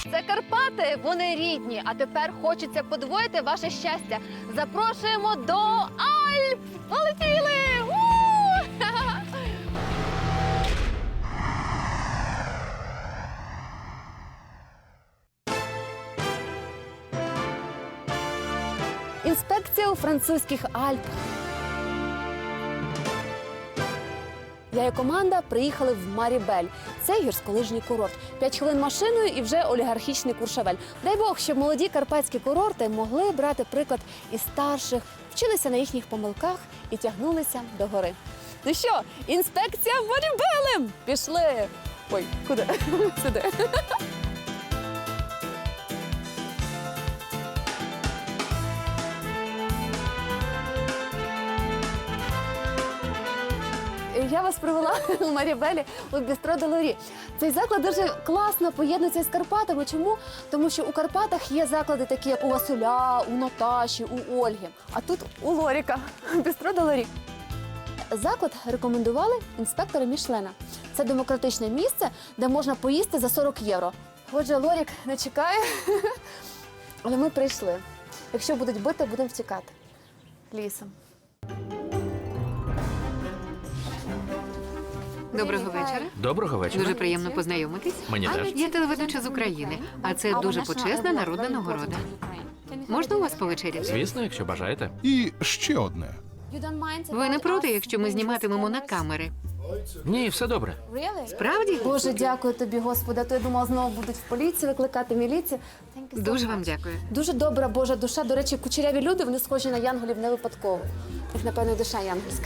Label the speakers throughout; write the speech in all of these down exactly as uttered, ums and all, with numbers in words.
Speaker 1: Це Карпати, вони рідні, а тепер хочеться подвоїти ваше щастя. Запрошуємо до Альп! Полетіли! У! Інспекція у французьких Альпах. Я і команда приїхали в Марібель. Це гірськолижній курорт. П'ять хвилин машиною і вже олігархічний Куршавель. Дай Бог, щоб молоді карпатські курорти могли брати приклад із старших, вчилися на їхніх помилках і тягнулися до гори. Ну що, інспекція Марібелем! Пішли! Ой, куди? Сюди. Я вас привела у Марібелі у Бістро де Лорі. Цей заклад дуже класно поєднується з Карпатами. Чому? Тому що у Карпатах є заклади такі, як у Василя, у Наташі, у Ольги. А тут у Лоріка, Бістро де Лорі. Заклад рекомендували інспектори Мішлена. Це демократичне місце, де можна поїсти за сорок євро. Отже, Лорік не чекає, але ми прийшли. Якщо будуть бити, будемо втікати лісом.
Speaker 2: Доброго вечора.
Speaker 3: Доброго вечора.
Speaker 2: Дуже приємно познайомитись.
Speaker 3: Мені теж.
Speaker 2: Я телеведуча з України, а це дуже почесна народна нагорода. Можна у вас повечеряти?
Speaker 3: Звісно, якщо бажаєте.
Speaker 4: І ще одне.
Speaker 2: Ви не проти, якщо ми зніматимемо на камери?
Speaker 3: Ні, все добре.
Speaker 2: Справді?
Speaker 1: Боже, дякую тобі, Господи. А то я думала, знову будуть в поліцію викликати, міліцію.
Speaker 2: Дуже вам дякую.
Speaker 1: Дуже добра Божа душа. До речі, кучеряві люди, вони схожі на янголів не випадково. Їх, напевно, душа янгольська.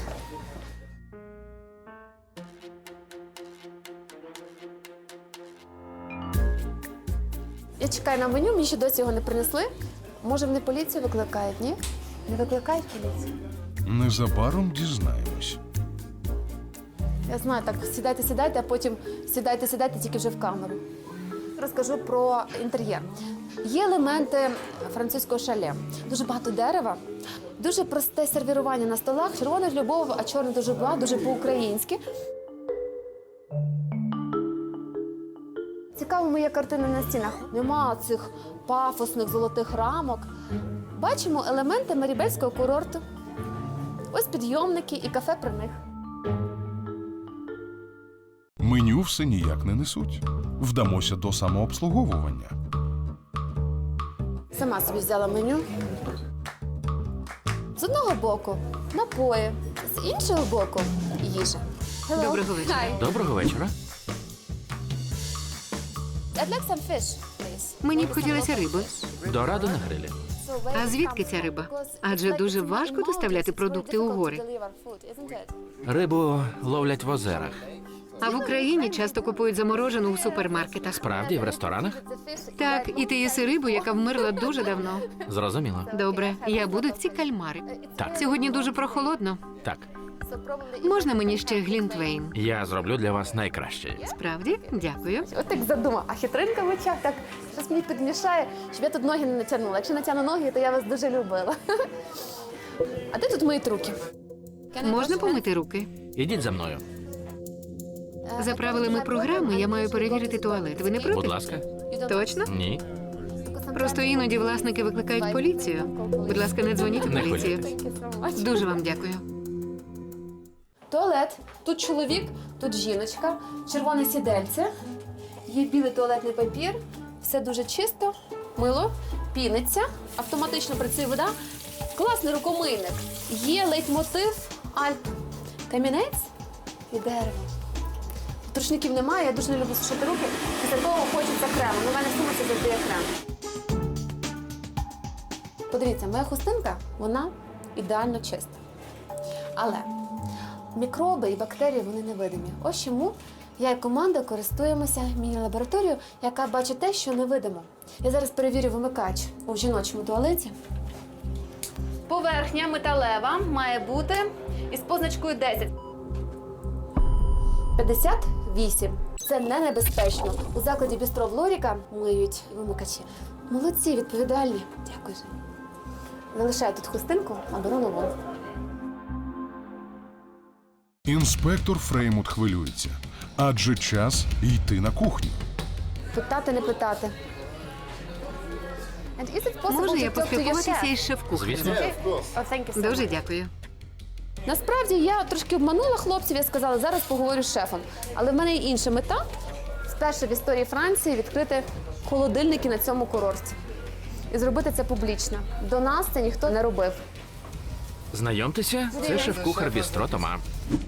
Speaker 1: Я чекаю на меню, мені ще досі його не принесли. Може, вони поліцію викликають, ні? Не викликають поліцію?
Speaker 4: Незабаром дізнаємось.
Speaker 1: Я знаю, так, сідайте, сідайте, а потім сідайте, сідайте, тільки вже в камеру. Розкажу про інтер'єр. Є елементи французького шале. Дуже багато дерева, дуже просте сервірування на столах. Червоний любов, а чорний дуже багато, дуже по-українськи. Цікаво, моя картина на стінах. Нема цих пафосних золотих рамок. Бачимо елементи марібельського курорту. Ось підйомники і кафе при них.
Speaker 4: Меню все ніяк не несуть. Вдамося до самообслуговування.
Speaker 1: Сама собі взяла меню. З одного боку напої, з іншого боку їжа. Hello.
Speaker 2: Доброго вечора.
Speaker 1: Hi.
Speaker 3: Доброго вечора.
Speaker 1: I'd like some fish, please.
Speaker 2: Мені б хотілося риби.
Speaker 3: Дорадо на грилі.
Speaker 1: So where
Speaker 2: А
Speaker 1: it
Speaker 2: звідки
Speaker 1: comes
Speaker 2: ця
Speaker 1: from?
Speaker 2: риба?
Speaker 1: Because
Speaker 2: Адже
Speaker 1: it's like
Speaker 2: дуже
Speaker 1: it's in
Speaker 2: важко
Speaker 1: the
Speaker 2: доставляти
Speaker 1: mountains. It's
Speaker 2: продукти
Speaker 1: very
Speaker 2: у
Speaker 1: difficult
Speaker 2: гори.
Speaker 1: to deliver food, isn't it?
Speaker 3: Рибу ловлять в озерах.
Speaker 2: А в Україні часто купують заморожену у супермаркетах.
Speaker 3: Справді, в ресторанах?
Speaker 2: Так, і ти їси рибу, яка вмерла дуже давно.
Speaker 3: Зрозуміло.
Speaker 2: Добре, я буду ці кальмари.
Speaker 3: Так.
Speaker 2: Сьогодні дуже прохолодно.
Speaker 3: Так.
Speaker 1: So probably-
Speaker 2: Можна мені ще глінтвейн?
Speaker 3: Я зроблю для вас найкраще.
Speaker 2: Справді? Дякую.
Speaker 1: От так задумав, а хитринка в очах так щось мені підмішає, щоб я тут ноги не натягнула. Якщо натягну ноги, то я вас дуже любила. А де тут мої руки?
Speaker 2: Можна помити руки?
Speaker 3: Ідіть за мною.
Speaker 2: За правилами програми я маю перевірити туалет. Ви не проти?
Speaker 3: Будь ласка.
Speaker 2: Точно?
Speaker 3: Ні.
Speaker 2: Просто іноді власники викликають поліцію. Будь ласка, не дзвоніть у
Speaker 3: Не
Speaker 2: поліцію.
Speaker 3: хвилюйтесь.
Speaker 2: Дуже вам дякую.
Speaker 1: Туалет. Тут чоловік, тут жіночка, червоне сідельце, є білий туалетний папір, все дуже чисто, мило, піниться, автоматично працює вода. Класний рукомийник. Є лейтмотив Альп. Камінець і дерево. Рушників немає, я дуже не люблю сушити руки. Після того хочеться крему. Ну, в мене в сумці завжди є крем. Подивіться, моя хустинка, вона ідеально чиста. Але мікроби і бактерії, вони невидимі. Ось чому я і команда користуємося міні-лабораторією, яка бачить те, що невидимо. Я зараз перевірю вимикач у жіночому туалеті. Поверхня металева має бути із позначкою десять. п'ятдесят вісім. Це не небезпечно. У закладі Бістро в Лоріка миють вимикачі. Молодці, відповідальні. Дякую. Залишаю тут хустинку, а беру нову.
Speaker 4: Інспектор Фреймут хвилюється. Адже час йти на кухню.
Speaker 1: Питати, не питати. And is it possible
Speaker 2: Можу
Speaker 1: to
Speaker 2: я
Speaker 1: talk to your
Speaker 2: поспілкуватися
Speaker 1: chef?
Speaker 2: із шеф-кухарем?
Speaker 3: Звісно.
Speaker 1: Oh, thank you so
Speaker 2: Дуже
Speaker 1: much.
Speaker 2: дякую.
Speaker 1: Насправді я трошки обманула хлопців, я сказала, зараз поговорю з шефом. Але в мене є інша мета. Вперше в історії Франції відкрити холодильники на цьому курорті. І зробити це публічно. До нас це ніхто не робив.
Speaker 3: Знайомтеся, це шеф-кухар бістро Тома.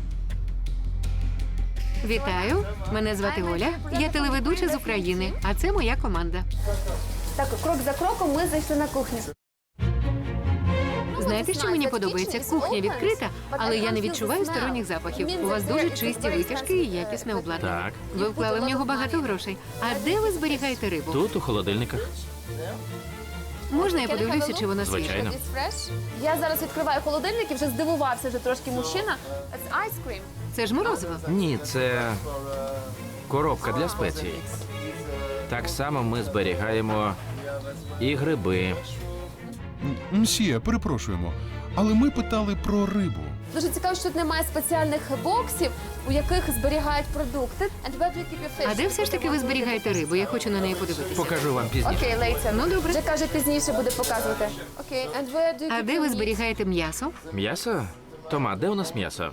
Speaker 2: Вітаю, мене звати Оля. Я телеведуча з України, а це моя команда.
Speaker 1: Так, крок за кроком ми зайшли на кухню.
Speaker 2: Знаєте, що мені подобається? Кухня відкрита, але я не відчуваю сторонніх запахів. У вас дуже чисті витяжки і якісне обладнання.
Speaker 3: Так,
Speaker 2: Ви вклали в нього багато грошей. А де ви зберігаєте рибу?
Speaker 3: тут у холодильниках.
Speaker 2: Можна я подивлюся, чи вона свіжа?
Speaker 3: Звичайно.
Speaker 1: Я зараз відкриваю холодильник і вже здивувався вже трошки мужчина. It's ice cream.
Speaker 2: Це ж морозиво.
Speaker 3: Ні, це коробка для спецій. Так само ми зберігаємо і гриби.
Speaker 4: М, Мсьє, перепрошуємо, але ми питали про рибу.
Speaker 1: Дуже цікаво, що тут немає спеціальних боксів, у яких зберігають продукти. And where do you keep your fish?
Speaker 2: А де все ж таки ви зберігаєте рибу? Я хочу на неї подивитися.
Speaker 3: Покажу вам пізніше.
Speaker 1: Окей, later.
Speaker 2: Ну, добре.
Speaker 1: Вже каже, пізніше буде показувати. Окей, and where do you
Speaker 2: А
Speaker 1: keep
Speaker 2: де
Speaker 1: your
Speaker 2: ви
Speaker 1: meat?
Speaker 2: зберігаєте м'ясо?
Speaker 3: М'ясо? Тома, де у нас м'ясо?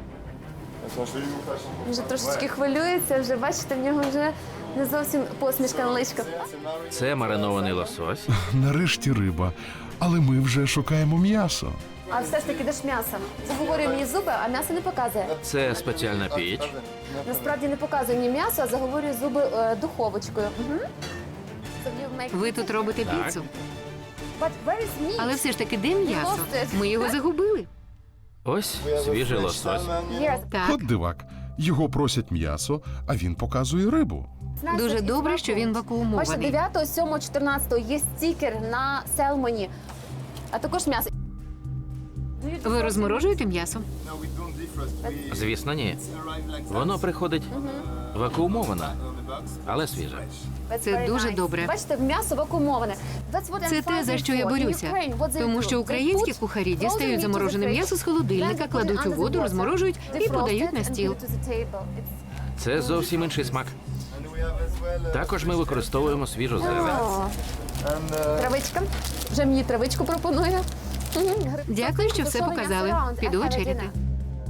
Speaker 1: Він вже трошечки хвилюється, вже бачите, в нього вже не зовсім посмішка на личках.
Speaker 3: Це маринований лосось.
Speaker 4: Нарешті риба. Але ми вже шукаємо м'ясо.
Speaker 1: А все ж таки, де ж м'ясо? Заговорює мені зуби, а м'ясо не показує.
Speaker 3: Це спеціальна піч.
Speaker 1: Насправді не показує мені м'ясо, а заговорює зуби е, духовочкою. Угу.
Speaker 2: Ви тут робите піцу.
Speaker 1: But where is meat?
Speaker 2: Але все ж таки, де м'ясо?
Speaker 1: lost it.
Speaker 2: Ми його загубили.
Speaker 3: Ось свіжий лосось.
Speaker 1: Yes.
Speaker 2: Так,
Speaker 4: От дивак. Його просять м'ясо, а він показує рибу.
Speaker 2: дуже добре, що він
Speaker 1: Бачите,
Speaker 2: вакуумований.
Speaker 1: дев'ятого, сьомого, чотирнадцятого є стікер на селмоні, а також м'ясо.
Speaker 2: Ви розморожуєте м'ясо?
Speaker 3: Звісно, ні. Воно приходить вакуумоване, але свіже.
Speaker 1: That's
Speaker 2: Це
Speaker 1: very
Speaker 2: дуже
Speaker 1: nice.
Speaker 2: добре.
Speaker 1: Бачите, м'ясо вакуумоване. That's what I'm
Speaker 2: Це те, за
Speaker 1: fighting
Speaker 2: що я
Speaker 1: for. In
Speaker 2: борюся.
Speaker 1: Ukraine, what they
Speaker 2: Тому
Speaker 1: do?
Speaker 2: що
Speaker 1: They
Speaker 2: українські
Speaker 1: put
Speaker 2: кухарі
Speaker 1: frozen
Speaker 2: дістають
Speaker 1: meat
Speaker 2: заморожене
Speaker 1: to the
Speaker 2: м'ясо з
Speaker 1: fridge,
Speaker 2: холодильника,
Speaker 1: then they put
Speaker 2: кладуть
Speaker 1: it
Speaker 2: у
Speaker 1: under
Speaker 2: воду,
Speaker 1: the water,
Speaker 2: розморожують і
Speaker 1: defrost
Speaker 2: подають
Speaker 1: it
Speaker 2: на
Speaker 1: and
Speaker 2: стіл.
Speaker 1: put it to the table. It's-
Speaker 3: Це зовсім інший смак. Також ми використовуємо свіжу зелень.
Speaker 1: О, Травичка. Вже мені травичку пропонує. Мгм.
Speaker 2: Дякую, що все
Speaker 1: Тушовий
Speaker 2: показали.
Speaker 1: м'ясо раунд.
Speaker 2: Піду
Speaker 1: Have a
Speaker 2: вечеряти.
Speaker 1: dinner.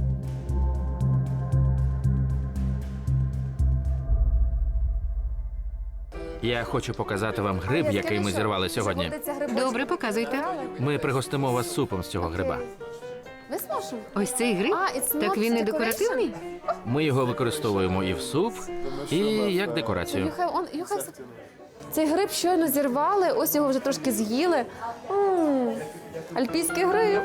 Speaker 3: Я хочу показати вам гриб, який ми зірвали сьогодні.
Speaker 2: Добре, показуйте.
Speaker 3: Ми пригостимо вас супом з цього гриба.
Speaker 1: Ви зможемо?
Speaker 2: Ось цей гриб?
Speaker 1: А, it's
Speaker 2: Так
Speaker 1: not
Speaker 2: він не
Speaker 1: decoration?
Speaker 2: декоративний?
Speaker 3: Ми його використовуємо і в суп, і як декорацію.
Speaker 1: You have on- you have some- Цей гриб щойно зірвали, ось його вже трошки з'їли. М, Альпійський гриб.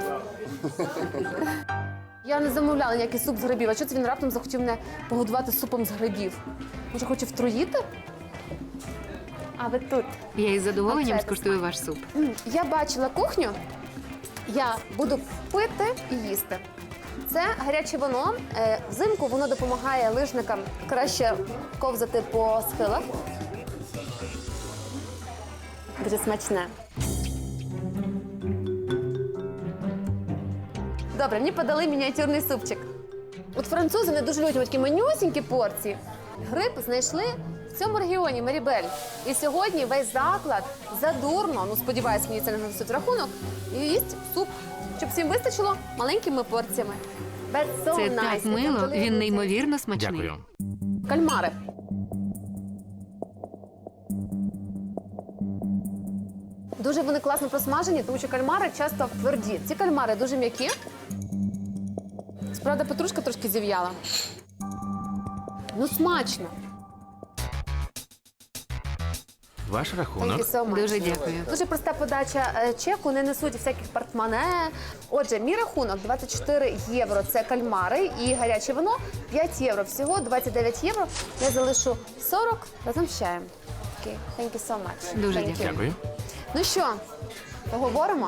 Speaker 1: Я не замовляла ніякий суп з грибів. А що це він раптом захотів мене погодувати супом з грибів? Може, хоче втруїти? А ви тут.
Speaker 2: Я із задоволенням
Speaker 1: Оце
Speaker 2: скуштую ваш суп.
Speaker 1: М, Я бачила кухню, я буду пити і їсти. Це гаряче вино. Е, Взимку воно допомагає лижникам краще ковзати по схилах. Дуже смачне. Добре, мені подали мініатюрний супчик. От французи не дуже люблять такі манюсінькі порції. Гриб знайшли в цьому регіоні Марібель. І сьогодні весь заклад задурно, ну сподіваюсь, мені це не нанесуть рахунок, і їсть суп, щоб всім вистачило маленькими порціями. That's so
Speaker 2: Це
Speaker 1: nice.
Speaker 2: так
Speaker 1: It's
Speaker 2: мило,
Speaker 1: unbelievable.
Speaker 2: він неймовірно смачний.
Speaker 3: Дякую.
Speaker 1: Кальмари. Дуже вони класно просмажені, тому що кальмари часто тверді. Ці кальмари дуже м'які. Справді, петрушка трошки зів'яла. Ну, смачно.
Speaker 3: Ваш
Speaker 1: Thank
Speaker 3: рахунок.
Speaker 1: you so much.
Speaker 2: Дуже дякую.
Speaker 1: Дуже проста подача е, чеку, не несуть всяких портмоне. Отже, мій рахунок двадцять чотири євро. Це кальмари і гаряче вино п'ять євро. Всього двадцять дев'ять євро. Я залишу сорок разом з чаєм. Окей, thank you so much.
Speaker 2: Дуже
Speaker 1: Thank you.
Speaker 2: дякую.
Speaker 3: Дякую.
Speaker 1: Ну що, поговоримо?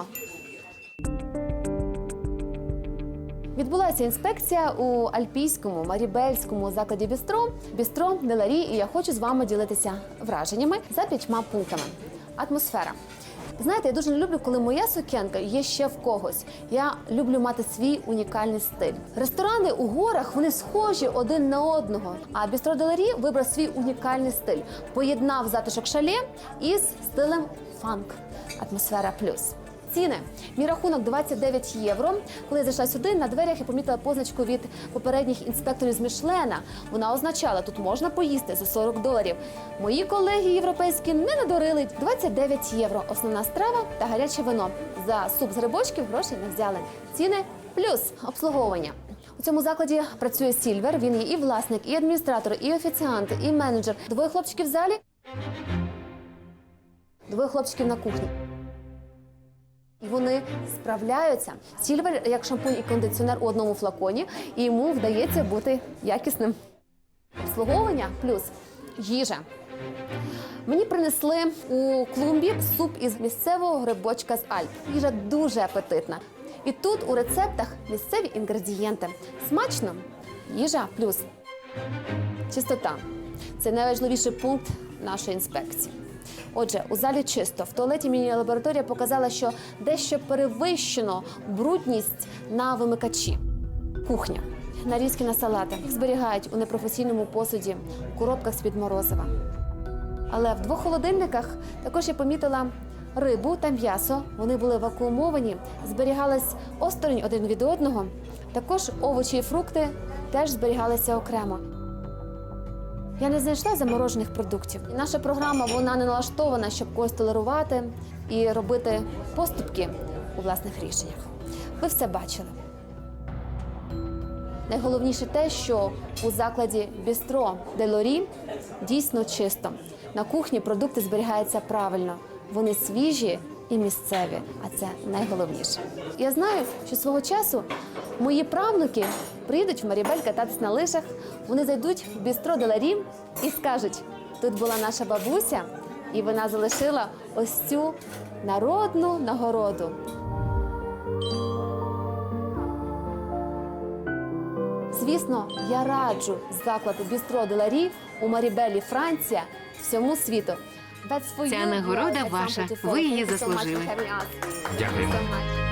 Speaker 1: Відбулася інспекція у альпійському марібельському закладі бістро Бістро Деларі, і я хочу з вами ділитися враженнями за п'ятьма пунктами. Атмосфера. Знаєте, я дуже не люблю, коли моя сукенка є ще в когось. Я люблю мати свій унікальний стиль. Ресторани у горах, вони схожі один на одного. А Бістро де Ларі вибрав свій унікальний стиль. Поєднав затишок шале із стилем фанк. Атмосфера плюс. Ціни. Мій рахунок двадцять дев'ять євро. Коли я зайшла сюди, на дверях я помітила позначку від попередніх інспекторів з Мішлена. Вона означала, тут можна поїсти за сорок доларів. Мої колеги європейські не надурили. двадцять дев'ять євро. Основна страва та гаряче вино. За суп з грибочків грошей не взяли. Ціни плюс обслуговування. У цьому закладі працює Сільвер. Він є і власник, і адміністратор, і офіціант, і менеджер. Двоє хлопчиків в залі, двоє хлопчиків на кухні. І вони справляються. Сільвер як шампунь і кондиціонер у одному флаконі, і йому вдається бути якісним. Обслуговування плюс їжа. Мені принесли у клумбі суп із місцевого грибочка з Альп. Їжа дуже апетитна. І тут у рецептах місцеві інгредієнти. Смачно. Їжа плюс чистота. Це найважливіший пункт нашої інспекції. Отже, у залі чисто. В туалеті міні-лабораторія показала, що дещо перевищено брудність на вимикачі. Кухня. Нарізки на салати. Їх зберігають у непрофесійному посуді, у коробках з-під морозива. Але в двох холодильниках також я помітила рибу та м'ясо. Вони були вакуумовані, зберігались осторонь один від одного. Також овочі і фрукти теж зберігалися окремо. Я не знайшла заморожених продуктів. І наша програма, вона не налаштована, щоб когось толерувати і робити поступки у власних рішеннях. Ви все бачили. Найголовніше те, що у закладі Бістро де Лорі дійсно чисто. На кухні продукти зберігаються правильно. Вони свіжі і місцеві, а це найголовніше. Я знаю, що свого часу мої правнуки приїдуть в Марібель кататись на лижах, вони зайдуть в Бістро де Ларі і скажуть, тут була наша бабуся, і вона залишила ось цю народну нагороду. Звісно, я раджу заклад Бістро де Ларі у Марібелі, Франція, всьому світу.
Speaker 2: Ця нагорода ваша. Ви її заслужили.
Speaker 3: Дякуємо.